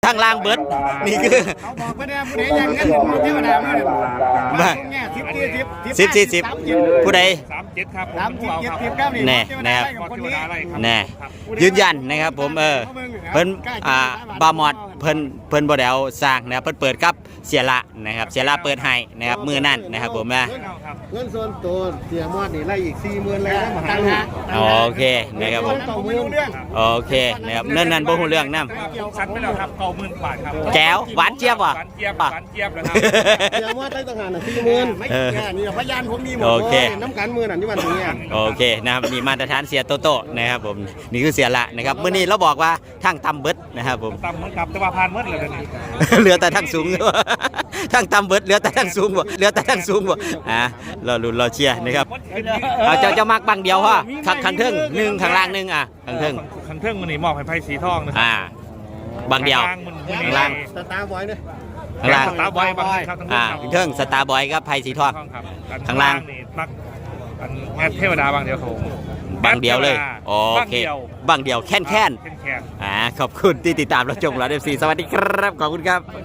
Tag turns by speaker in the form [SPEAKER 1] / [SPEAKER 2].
[SPEAKER 1] ทั้งล่างเบิดนี่คือ
[SPEAKER 2] เขาบอกว่าเนี่ยผู้ใดยังเงินอยู่เทวดามาเนี่ยมาเนี่ย
[SPEAKER 1] 10 ผู้ใด
[SPEAKER 3] 37ครับ
[SPEAKER 1] แน่นะครับแน่ยืนยันนะครับผมเพิ่นบาหมอดเพิ่นบ่ได้เอาสร้างนะครับเพิ่นเปิดกับเสียละนะครับเสียละเปิดให้นะครับมือนั่นนะครับผมนะ
[SPEAKER 2] เงินส่วนตัวเสียมอดนี่ไล่อีก40,000เลยนะมหาลูก
[SPEAKER 1] โอเคนะครับผมโอเคนะครับเนั่นบ่ฮู้เรื่องนำ
[SPEAKER 3] ชัดไปแล้วครับ90,000 บาทครับ
[SPEAKER 1] แจ๋วหวานเจี๊ยบว่ะ
[SPEAKER 3] หวานเจี๊ยบแล้วครับ
[SPEAKER 2] เสียมอดได้ต่างหากน่ะ40,000ไม่แค่นี่พยานผมมีหมดน้ำกันมือนั่นอยู่วันนี้
[SPEAKER 1] โอเคนะครับนี่มาตรฐานเสียโตโต้นะครับผมนี่คือเสียละนะครับมื้อนี้เราบอกว่าทั้งตำเบิดนะครับผม
[SPEAKER 3] ตำเหมือนกับแต่ว่าผ่านหมดเลยนี่
[SPEAKER 1] เหลือแต่ทั้งสูงทั้งตำเบิดเหลือแต่ทั้งสูงบ่เหลือแต่ทั้งสูงบ่รอลุ้นรอเชียร์นะครับเอาเจ้ามักบังเดียวฮะข้างเทิง1ข้างล่าง1ข้างเทิง
[SPEAKER 3] มื้อนี้มอบให้ไผสีทองนะ
[SPEAKER 1] บางเดียวข้างล่าง
[SPEAKER 2] สตาร์บอยเนี่ย
[SPEAKER 1] ข้างล่าง
[SPEAKER 3] สตาร์บอยครับ
[SPEAKER 1] เทิงสตาร์บอยกับไพสีทองข้างล่าง
[SPEAKER 3] นี่มักแอดเทวดาบางเดียวครับ
[SPEAKER 1] บางเดียวเลยโอเคบางเดียวแค่นขอบคุณที่ติดตามรับชมเราเอฟซีสวัสดีครับขอบคุณครับ